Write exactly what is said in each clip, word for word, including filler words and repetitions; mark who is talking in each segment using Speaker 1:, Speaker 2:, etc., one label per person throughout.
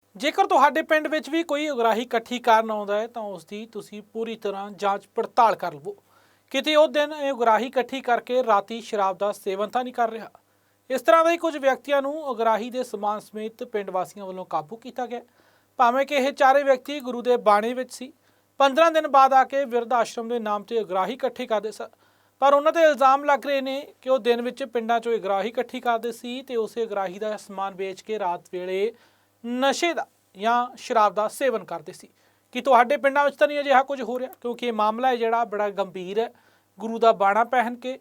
Speaker 1: ਜੇਕਰ ਤੁਹਾਡੇ ਪਿੰਡ ਵਿੱਚ ਵੀ ਕੋਈ ਉਗਰਾਹੀ ਇਕੱਠੀ ਕਰਨ ਆਉਂਦਾ ਹੈ ਤਾਂ ਉਸ ਦੀ ਤੁਸੀਂ ਪੂਰੀ ਤਰ੍ਹਾਂ ਜਾਂਚ ਪੜਤਾਲ ਕਰ ਲਵੋ। ਕਿਤੇ ਉਹ ਦਿਨ ਇਹ ਉਗਰਾਹੀ ਇਕੱਠੀ ਕਰਕੇ ਰਾਤੀ ਸ਼ਰਾਬ ਦਾ ਸੇਵਨ ਤਾਂ ਨਹੀਂ ਕਰ ਰਿਹਾ। ਇਸ ਤਰ੍ਹਾਂ ਦੇ ਕੁਝ ਵਿਅਕਤੀਆਂ ਨੂੰ ਉਗਰਾਹੀ ਦੇ ਸਮਾਨ ਸਮੇਤ ਪਿੰਡ ਵਾਸੀਆਂ ਵੱਲੋਂ ਕਾਬੂ ਕੀਤਾ ਗਿਆ। ਭਾਵੇਂ ਕਿ ਇਹ ਚਾਰੇ ਵਿਅਕਤੀ ਗੁਰੂ ਦੇ ਬਾਣੇ ਵਿੱਚ ਸੀ, ਪੰਦਰਾਂ ਦਿਨ ਬਾਅਦ ਆ ਕੇ ਬਿਰਧ ਆਸ਼ਰਮ ਦੇ ਨਾਮ ਤੇ ਉਗਰਾਹੀ ਇਕੱਠੀ ਕਰਦੇ ਸਨ। ਪਰ ਉਹਨਾਂ ਤੇ ਇਲਜ਼ਾਮ ਲੱਗ ਰਹੇ ਨੇ ਕਿ ਉਹ ਦਿਨ ਵਿੱਚ ਪਿੰਡਾਂ 'ਚੋਂ ਉਗਰਾਹੀ ਇਕੱਠੀ ਕਰਦੇ ਸੀ ਤੇ ਉਸੇ ਉਗਰਾਹੀ ਦਾ ਸਮਾਨ ਵੇਚ ਕੇ ਰਾਤ ਵੇਲੇ ਨਸ਼ੇ ਦਾ ਜਾਂ ਸ਼ਰਾਬ ਦਾ ਸੇਵਨ ਕਰਦੇ ਸੀ। ਕਿ ਤੁਹਾਡੇ ਪਿੰਡਾਂ ਵਿੱਚ ਤਾਂ ਨਹੀਂ ਅਜਿਹਾ ਕੁਝ ਹੋ ਰਿਹਾ, ਕਿਉਂਕਿ ਇਹ ਮਾਮਲਾ ਹੈ ਜਿਹੜਾ ਬੜਾ ਗੰਭੀਰ ਹੈ। ਗੁਰੂ ਦਾ ਬਾਣਾ ਪਹਿਨ ਕੇ,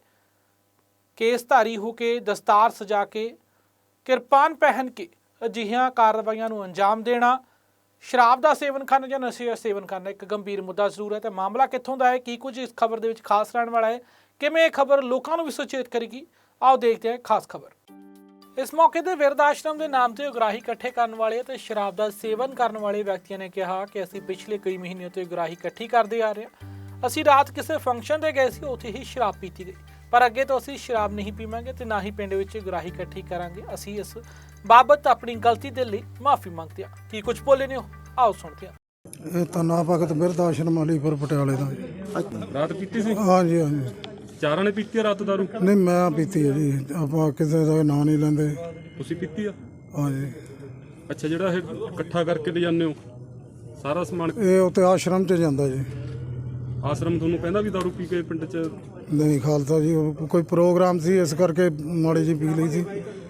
Speaker 1: ਕੇਸਧਾਰੀ ਹੋ ਕੇ, ਦਸਤਾਰ ਸਜਾ ਕੇ, ਕਿਰਪਾਨ ਪਹਿਨ ਕੇ ਅਜਿਹੀਆਂ ਕਾਰਵਾਈਆਂ ਨੂੰ ਅੰਜਾਮ ਦੇਣਾ, ਸ਼ਰਾਬ ਦਾ ਸੇਵਨ ਕਰਨਾ ਜਾਂ ਨਸ਼ੇ ਦਾ ਸੇਵਨ ਕਰਨਾ ਇੱਕ ਗੰਭੀਰ ਮੁੱਦਾ ਜ਼ਰੂਰ ਹੈ। ਤੇ ਮਾਮਲਾ ਕਿੱਥੋਂ ਦਾ ਹੈ, ਕੀ ਕੁਝ ਇਸ ਖਬਰ ਦੇ ਵਿੱਚ ਖਾਸ ਰਹਿਣ ਵਾਲਾ ਹੈ, ਕਿਵੇਂ ਇਹ ਖਬਰ ਲੋਕਾਂ ਨੂੰ ਵੀ ਸੁਚੇਤ ਕਰੇਗੀ, ਆਓ ਦੇਖਦੇ ਹਾਂ ਖਾਸ ਖਬਰ। ਇਸ ਮੌਕੇ ਤੇ ਬਿਰਧ ਆਸ਼ਰਮ ਦੇ ਨਾਮ ਤੇ ਉਗਰਾਹੀ ਇਕੱਠੇ ਕਰਨ ਵਾਲੇ ਤੇ ਸ਼ਰਾਬ ਦਾ ਸੇਵਨ ਕਰਨ ਵਾਲੇ ਵਿਅਕਤੀਆਂ ਨੇ ਕਿਹਾ ਕਿ ਅਸੀਂ ਪਿਛਲੇ ਕਈ ਮਹੀਨਿਆਂ ਤੋਂ ਉਗਰਾਹੀ ਇਕੱਠੀ ਕਰਦੇ ਆ ਰਹੇ ਹਾਂ। ਅਸੀਂ ਰਾਤ ਕਿਸੇ ਫੰਕਸ਼ਨ ਤੇ ਗਏ ਸੀ, ਉੱਥੇ ਹੀ ਸ਼ਰਾਬ ਪੀਤੀ ਗਈ, ਪਰ ਅੱਗੇ ਤੋਂ ਅਸੀਂ ਸ਼ਰਾਬ ਨਹੀਂ ਪੀਵਾਂਗੇ ਤੇ ਨਾ ਹੀ ਪਿੰਡ ਵਿੱਚ ਉਗਰਾਹੀ ਇਕੱਠੀ ਕਰਾਂਗੇ। ਅਸੀਂ ਇਸ ਬਾਬਤ ਆਪਣੀ ਗਲਤੀ ਦੇ ਲਈ ਮਾਫੀ ਮੰਗਦੇ ਹਾਂ। ਕੀ ਕੁਝ ਬੋਲੇ ਨੇ, ਆਓ ਸੁਣਦੇ ਹਾਂ।
Speaker 2: ਇਹ ਤਾਂ ਨਾ ਭਗਤ ਬਿਰਧ ਆਸ਼ਰਮ ਅਲੀਪੁਰ ਪਟਿਆਲੇ ਦਾ।
Speaker 3: ਰਾਤ ਪੀਤੀ ਸੀ?
Speaker 2: ਹਾਂਜੀ ਹਾਂਜੀ।
Speaker 3: ਚਾਰਾਂ ਨੇ ਪੀਤੀ ਆ ਰਾਤ ਦਾਰੂ?
Speaker 2: ਨਹੀਂ, ਮੈਂ ਪੀਤੀ ਹੈ ਜੀ, ਆਪਾਂ ਕਿਸੇ ਦਾ ਨਾਂ ਨਹੀਂ ਲੈਂਦੇ।
Speaker 3: ਤੁਸੀਂ ਪੀਤੀ ਆ?
Speaker 2: ਹਾਂਜੀ।
Speaker 3: ਅੱਛਾ, ਜਿਹੜਾ ਇਹ ਇਕੱਠਾ ਕਰਕੇ ਲੈ ਜਾਂਦੇ ਹੋ ਸਾਰਾ ਸਮਾਨ,
Speaker 2: ਇਹ ਉੱਥੇ ਆਸ਼ਰਮ 'ਚ ਜਾਂਦਾ ਜੀ।
Speaker 3: ਆਸ਼ਰਮ ਤੁਹਾਨੂੰ ਕਹਿੰਦਾ ਵੀ ਦਾਰੂ ਪੀ ਕੇ ਪਿੰਡ 'ਚ?
Speaker 2: ਨਹੀਂ ਖਾਲਸਾ ਜੀ, ਉਹ ਕੋਈ ਪ੍ਰੋਗਰਾਮ ਸੀ ਇਸ ਕਰਕੇ ਮਾੜੀ ਜੀ ਪੀ ਲਈ ਸੀ।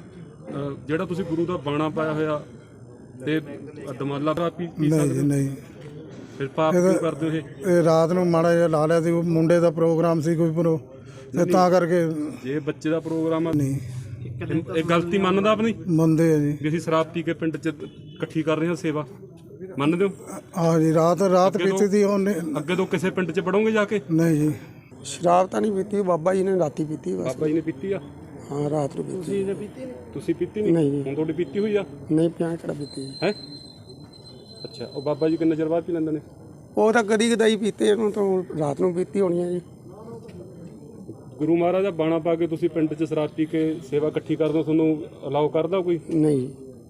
Speaker 3: ਅਹ ਜਿਹੜਾ ਤੁਸੀਂ ਗੁਰੂ ਦਾ ਬਾਣਾ ਪਾਇਆ ਹੋਇਆ ਤੇ ਦਮਾਲਾ ਦਾ ਪੀ ਪੀ
Speaker 2: ਨਹੀਂ ਜੀ
Speaker 3: ਸਕਦੇ?
Speaker 2: ਨਹੀਂ।
Speaker 3: ਫਿਰ ਪਾਪ ਕਿਉਂ ਕਰਦੇ ਹੋ ਇਹ?
Speaker 2: ਇਹ ਰਾਤ ਨੂੰ ਮਾੜਾ ਜਿਹਾ ਲਾ ਲਿਆ ਸੀ, ਉਹ ਮੁੰਡੇ ਦਾ ਪ੍ਰੋਗਰਾਮ ਸੀ ਕੋਈ ਪ੍ਰੋ ਤੇ ਤਾਂ ਕਰਕੇ।
Speaker 3: ਜੇ ਬੱਚੇ ਦਾ ਪ੍ਰੋਗਰਾਮ ਆ,
Speaker 2: ਨਹੀਂ
Speaker 3: ਇਹ ਗਲਤੀ ਮੰਨਦਾ ਆਪਣੀ
Speaker 2: ਮੰਨਦੇ ਆ ਜੀ
Speaker 3: ਵੀ ਅਸੀਂ ਸ਼ਰਾਬ ਪੀ ਕੇ ਪਿੰਡ 'ਚ ਇਕੱਠੀ ਕਰ ਰਹੇ ਹਾਂ ਸੇਵਾ? ਮੰਨਦੇ ਹੋ?
Speaker 2: ਹਾਂ ਜੀ, ਰਾਤ ਰਾਤ
Speaker 3: ਅੱਗੇ ਤੋਂ-
Speaker 2: ਪੀਤੀ ਸੀ ਉਹਨੇ।
Speaker 3: ਅੱਗੇ ਤੋਂ ਕਿਸੇ ਪਿੰਡ 'ਚ ਪੜੋਗੇ ਜਾ ਕੇ?
Speaker 2: ਨਹੀਂ ਜੀ,
Speaker 4: ਸ਼ਰਾਬ ਤਾਂ ਨਹੀਂ ਪੀਤੀ, ਬਾਬਾ ਜੀ ਨੇ ਰਾਤੀ ਪੀਤੀ ਬਸ।
Speaker 3: ਬਾਬਾ ਜੀ ਨੇ ਪੀਤੀ ਆ?
Speaker 4: ਹਾਂ, ਰਾਤ ਨੂੰ ਪੀਤੀ।
Speaker 3: ਤੁਸੀਂ ਪੀਤੀ ਨਹੀਂ?
Speaker 4: ਨਹੀਂ ਜੀ।
Speaker 3: ਹੁਣ ਤੁਹਾਡੀ ਪੀਤੀ ਹੋਈ ਆ?
Speaker 4: ਨਹੀਂ ਪਿਆ, ਕਿਹੜਾ ਪੀਤੀ
Speaker 3: ਹੈ? ਅੱਛਾ, ਉਹ ਬਾਬਾ ਜੀ ਕਿੰਨੇ ਚਿਰ ਬਾਅਦ ਪੀ ਲੈਂਦੇ ਨੇ?
Speaker 4: ਉਹ ਤਾਂ ਕਦੀ ਕਦਾਈ ਪੀਤੇ, ਇਹਨੂੰ ਤਾਂ ਰਾਤ ਨੂੰ ਪੀਤੀ ਹੋਣੀ ਹੈ ਜੀ।
Speaker 3: ਗੁਰੂ ਮਹਾਰਾਜ ਦਾ ਬਾਣਾ ਪਾ ਕੇ ਤੁਸੀਂ ਪਿੰਡ 'ਚ ਸ਼ਰਾਬ ਪੀ ਕੇ ਸੇਵਾ ਇਕੱਠੀ ਕਰਦੇ ਹੋ, ਤੁਹਾਨੂੰ ਅਲਾਉ ਕਰਦਾ ਕੋਈ?
Speaker 4: ਨਹੀਂ,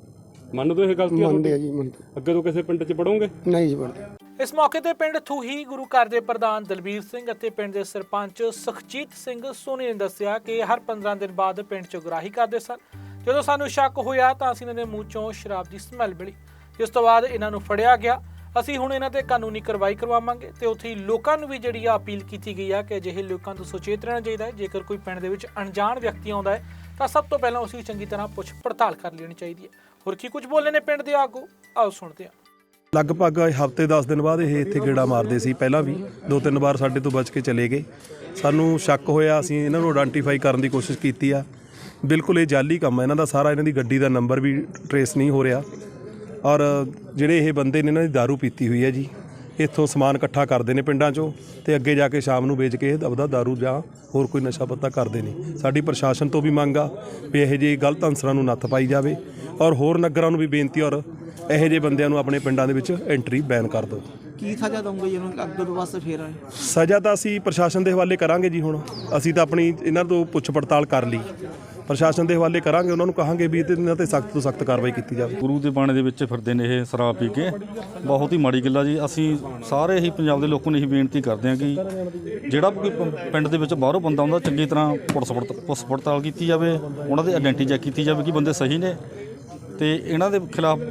Speaker 3: ਮੰਨਦੇ ਹੋ ਇਹ ਗਲਤੀ?
Speaker 4: ਮੰਨਦੇ ਆ ਜੀ, ਮੰਨਦੇ।
Speaker 3: ਅੱਗੇ ਤੋਂ ਕਿਸੇ ਪਿੰਡ 'ਚ ਪੜੋਗੇ?
Speaker 4: ਨਹੀਂ ਜੀ, ਮੰਨਦੇ।
Speaker 1: ਇਸ ਮੌਕੇ ਤੇ ਪਿੰਡ ਥੂਹੀ ਗੁਰੂ ਘਰ ਦੇ ਪ੍ਰਧਾਨ ਦਲਬੀਰ ਸਿੰਘ ਅਤੇ ਪਿੰਡ ਦੇ ਸਰਪੰਚ ਸੁਖਜੀਤ ਸਿੰਘ ਸੋਨੀ ਨੇ ਦੱਸਿਆ ਕਿ ਹਰ ਪੰਦਰਾਂ ਦਿਨ ਬਾਅਦ ਪਿੰਡ 'ਚ ਉਗਰਾਹੀ ਕਰਦੇ ਸਨ। ਜਦੋਂ ਸਾਨੂੰ ਸ਼ੱਕ ਹੋਇਆ ਤਾਂ ਅਸੀਂ ਇਹਨਾਂ ਦੇ ਮੂੰਹ 'ਚੋਂ ਸ਼ਰਾਬ ਦੀ ਸਮੈਲ ਮਿਲੀ, ਜਿਸ ਤੋਂ ਬਾਅਦ ਇਹਨਾਂ ਨੂੰ ਫੜਿਆ ਗਿਆ। ਅਸੀਂ ਹੁਣ ਇਹਨਾਂ ਤੇ ਕਾਨੂੰਨੀ ਕਾਰਵਾਈ ਕਰਵਾਵਾਂਗੇ ਤੇ ਉੱਥੇ ਹੀ ਲੋਕਾਂ ਨੂੰ ਵੀ ਜਿਹੜੀ ਆ ਅਪੀਲ ਕੀਤੀ ਗਈ ਆ ਕਿ ਅਜਿਹੇ ਲੋਕਾਂ ਤੋਂ ਸੁਚੇਤ ਰਹਿਣਾ ਚਾਹੀਦਾ ਹੈ। ਜੇਕਰ ਕੋਈ ਪਿੰਡ ਦੇ ਵਿੱਚ ਅਣਜਾਣ ਵਿਅਕਤੀ ਆਉਂਦਾ ਹੈ ਤਾਂ ਸਭ ਤੋਂ ਪਹਿਲਾਂ ਉਸ ਦੀ ਚੰਗੀ ਤਰ੍ਹਾਂ ਪੁੱਛ ਪੜਤਾਲ ਕਰ ਲੈਣੀ ਚਾਹੀਦੀ ਹੈ। ਹੋਰ ਕੀ ਕੁਝ ਬੋਲੇ ਨੇ ਪਿੰਡ ਦੇ ਆਗੂ, ਆਓ ਸੁਣਦੇ ਹਾਂ।
Speaker 5: ਲਗਭਗ ਹਫ਼ਤੇ ਦਸ ਦਿਨ ਬਾਅਦ ਇਹ ਇੱਥੇ ਗੇੜਾ ਮਾਰਦੇ ਸੀ। ਪਹਿਲਾਂ ਵੀ ਦੋ ਤਿੰਨ ਵਾਰ ਸਾਡੇ ਤੋਂ ਬਚ ਕੇ ਚਲੇ ਗਏ। ਸਾਨੂੰ ਸ਼ੱਕ ਹੋਇਆ, ਅਸੀਂ ਇਹਨਾਂ ਨੂੰ ਆਇਡੈਂਟੀਫਾਈ ਕਰਨ ਦੀ ਕੋਸ਼ਿਸ਼ ਕੀਤੀ ਆ। ਬਿਲਕੁਲ ਇਹ ਜਾਲੀ ਕੰਮ ਹੈ ਇਹਨਾਂ ਦਾ ਸਾਰਾ। ਇਹਨਾਂ ਦੀ ਗੱਡੀ ਦਾ ਨੰਬਰ ਵੀ ਟਰੇਸ ਨਹੀਂ ਹੋ ਰਿਹਾ। ਔਰ ਜਿਹੜੇ ਇਹ ਬੰਦੇ ਨੇ, ਇਹਨਾਂ ਦੀ ਦਾਰੂ ਪੀਤੀ ਹੋਈ ਹੈ ਜੀ। ਇੱਥੋਂ ਸਮਾਨ ਇਕੱਠਾ ਕਰਦੇ ਨੇ ਪਿੰਡਾਂ 'ਚੋਂ ਤੇ ਅੱਗੇ ਜਾ ਕੇ ਸ਼ਾਮ ਨੂੰ ਵੇਚ ਕੇ ਆਪਦਾ ਦਾਰੂ ਜਾਂ ਹੋਰ ਕੋਈ ਨਸ਼ਾ ਪੱਤਾ ਕਰਦੇ ਨੇ। ਸਾਡੀ ਪ੍ਰਸ਼ਾਸਨ ਤੋਂ ਵੀ ਮੰਗ ਆ ਵੀ ਇਹੋ ਜਿਹੇ ਗਲਤ ਅਨਸਰਾਂ ਨੂੰ ਨੱਥ ਪਾਈ ਜਾਵੇ ਔਰ ਹੋਰ ਨਗਰਾਂ ਨੂੰ ਵੀ ਬੇਨਤੀ, ਔਰ ਇਹੋ ਜਿਹੇ ਬੰਦਿਆਂ ਨੂੰ ਆਪਣੇ ਪਿੰਡਾਂ ਦੇ ਵਿੱਚ ਐਂਟਰੀ ਬੈਨ ਕਰ ਦਿਓ।
Speaker 6: ਕੀ ਸਜ਼ਾ ਦਊਂਗੇ ਜੀ ਉਹਨੂੰ ਅੱਗੇ ਤੋਂ ਬਸ ਫੇਰ ਆਏ?
Speaker 5: ਸਜ਼ਾ ਤਾਂ ਅਸੀਂ ਪ੍ਰਸ਼ਾਸਨ ਦੇ ਹਵਾਲੇ ਕਰਾਂਗੇ ਜੀ। ਹੁਣ ਅਸੀਂ ਤਾਂ ਆਪਣੀ ਇਹਨਾਂ ਤੋਂ ਪੁੱਛ ਪੜਤਾਲ ਕਰ ਲਈ, ਪ੍ਰਸ਼ਾਸਨ ਦੇ ਹਵਾਲੇ ਕਰਾਂਗੇ। ਉਹਨਾਂ ਨੂੰ ਕਹਾਂਗੇ ਵੀ ਇਹਨਾਂ 'ਤੇ ਸਖਤ ਤੋਂ ਸਖਤ ਕਾਰਵਾਈ ਕੀਤੀ ਜਾਵੇ।
Speaker 7: ਗੁਰੂ ਦੇ ਬਾਣੇ ਦੇ ਵਿੱਚ ਫਿਰਦੇ ਨੇ ਇਹ ਸ਼ਰਾਬ ਪੀ ਕੇ, ਬਹੁਤ ਹੀ ਮਾੜੀ ਗੱਲ ਆ ਜੀ। ਅਸੀਂ ਸਾਰੇ ਹੀ ਪੰਜਾਬ ਦੇ ਲੋਕਾਂ ਨੂੰ ਇਹੀ ਬੇਨਤੀ ਕਰਦੇ ਹਾਂ ਕਿ ਜਿਹੜਾ ਕੋਈ ਪਿੰਡ ਦੇ ਵਿੱਚ ਬਾਹਰੋਂ ਬੰਦਾ ਆਉਂਦਾ, ਚੰਗੀ ਤਰ੍ਹਾਂ ਪੁਲਿਸ ਪੜਤਾਲ ਪੁਲਿਸ ਪੜਤਾਲ ਕੀਤੀ ਜਾਵੇ, ਉਹਨਾਂ ਦੀ ਆਇਡੈਂਟੀ ਚੈੱਕ ਕੀਤੀ ਜਾਵੇ ਕਿ ਬੰਦੇ ਸਹੀ ਨੇ ਤੇ ਇਹਨਾਂ ਦੇ ਖਿਲਾਫ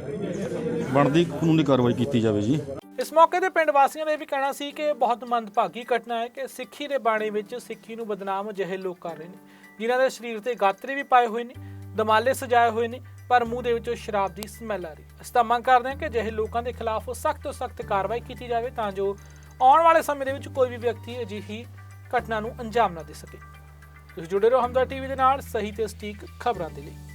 Speaker 7: ਬਣਦੀ ਕਾਨੂੰਨੀ ਕਾਰਵਾਈ ਕੀਤੀ ਜਾਵੇ ਜੀ।
Speaker 1: ਇਸ ਮੌਕੇ ਤੇ ਪਿੰਡ ਵਾਸੀਆਂ ਦਾ ਇਹ ਵੀ ਕਹਿਣਾ ਸੀ ਕਿ ਬਹੁਤ ਮੰਦਭਾਗੀ ਘਟਨਾ ਹੈ ਕਿ ਸਿੱਖੀ ਦੇ ਬਾਣੇ ਵਿੱਚ ਸਿੱਖੀ ਨੂੰ ਬਦਨਾਮ ਅਜਿਹੇ ਲੋਕ ਕਰ ਰਹੇ ਨੇ, ਜਿਨ੍ਹਾਂ ਦੇ ਸਰੀਰ ਤੇ ਗਾਤਰੇ ਵੀ ਪਾਏ ਹੋਏ ਨੇ, ਦਮਾਲੇ ਸਜਾਏ ਹੋਏ ਨੇ, ਪਰ ਮੂੰਹ ਦੇ ਵਿੱਚੋਂ ਸ਼ਰਾਬ ਦੀ ਸਮੈਲ ਆ ਰਹੀ। ਅਸੀਂ ਤਾਂ ਮੰਗ ਕਰਦੇ ਹਾਂ ਕਿ ਅਜਿਹੇ ਲੋਕਾਂ ਦੇ ਖਿਲਾਫ ਸਖਤ ਤੋਂ ਸਖਤ ਕਾਰਵਾਈ ਕੀਤੀ ਜਾਵੇ ਤਾਂ ਜੋ ਆਉਣ ਵਾਲੇ ਸਮੇਂ ਦੇ ਵਿੱਚ ਕੋਈ ਵੀ ਵਿਅਕਤੀ ਅਜਿਹੀ ਘਟਨਾ ਨੂੰ ਅੰਜਾਮ ਨਾ ਦੇ ਸਕੇ। ਤੁਸੀਂ ਜੁੜੇ ਰਹੋ ਹਮਦਰਦ ਟੀਵੀ ਦੇ ਨਾਲ, ਸਹੀ ਤੇ ਸਟੀਕ ਖਬਰਾਂ ਦੇ ਲਈ।